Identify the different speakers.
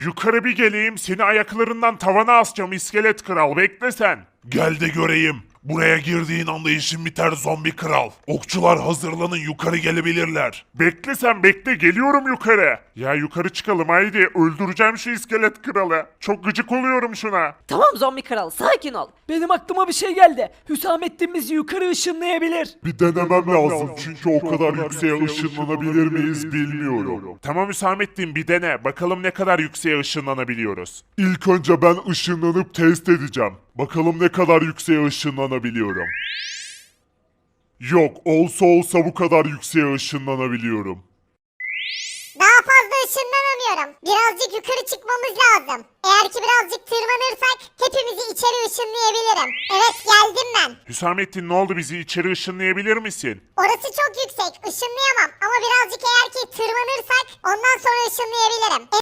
Speaker 1: Yukarı bir geleyim, seni ayaklarından tavana asacağım iskelet kral, bekle sen.
Speaker 2: Gel de göreyim. Buraya girdiğin anda işin biter zombi kral. Okçular hazırlanın, yukarı gelebilirler.
Speaker 1: Bekle sen, bekle, geliyorum yukarı. Ya yukarı çıkalım haydi, öldüreceğim şu iskelet kralı. Çok gıcık oluyorum şuna.
Speaker 3: Tamam zombi kral sakin ol.
Speaker 4: Benim aklıma bir şey geldi. Hüsamettin bizi yukarı ışınlayabilir.
Speaker 1: Bir denemem lazım çünkü o kadar yükseğe ışınlanabilir miyiz bilmiyorum. Tamam Hüsamettin, bir dene, bakalım ne kadar yükseğe ışınlanabiliyoruz. İlk önce ben ışınlanıp test edeceğim. Bakalım ne kadar yükseğe ışınlanabiliyorum. Yok, olsa bu kadar yükseğe ışınlanabiliyorum.
Speaker 5: Daha fazla ışınlanamıyorum. Birazcık yukarı çıkmamız lazım. Eğer ki birazcık tırmanırsak hepimizi içeri ışınlayabilirim. Evet geldim ben.
Speaker 1: Hüsamettin ne oldu, bizi içeri ışınlayabilir misin?
Speaker 5: Orası çok yüksek. Işınlayamam. Ama birazcık eğer ki tırmanırsak ondan sonra ışınlayabilirim.